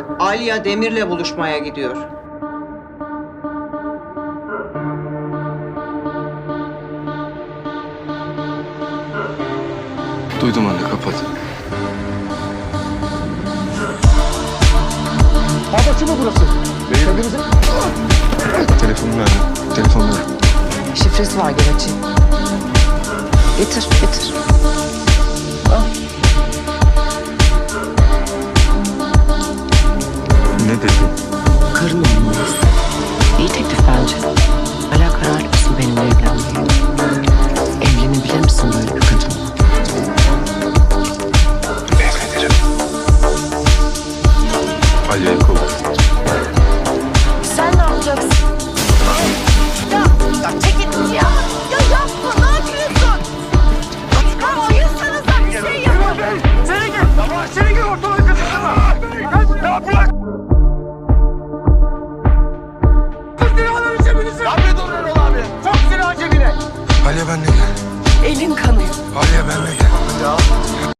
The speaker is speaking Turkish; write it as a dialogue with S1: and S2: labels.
S1: Alya Demir'le buluşmaya gidiyor.
S2: Duydum anne, kapat.
S3: Babacı mı burası? Kendinize...
S2: Telefonunu ver. Telefonunu ver.
S4: Şifresi var, gel açayım. Getir, getir. Al.
S2: Ne dedi?
S4: Karın olmalısın. İyi teklif bence. Hala kararlı mısın benimle evlenmeye? Evlenebilir misin böyle bir kadınla?
S2: Evlenirim. Alya'yı kov.
S4: Sen ne yapacaksın?
S5: Ya çekil ya. Ya yapma, ne yapıyorsun? Ya ayırsanıza bir şey yapın.
S3: Seni gir! Tamam, seni gir ortalığı kızıştırma! Ya bırak! Silahları cebinize! Ya bir dur Erol abi! Sok silahı cebine!
S2: Alya benimle gel.
S4: Elin kanıyor.
S2: Alya benimle gel.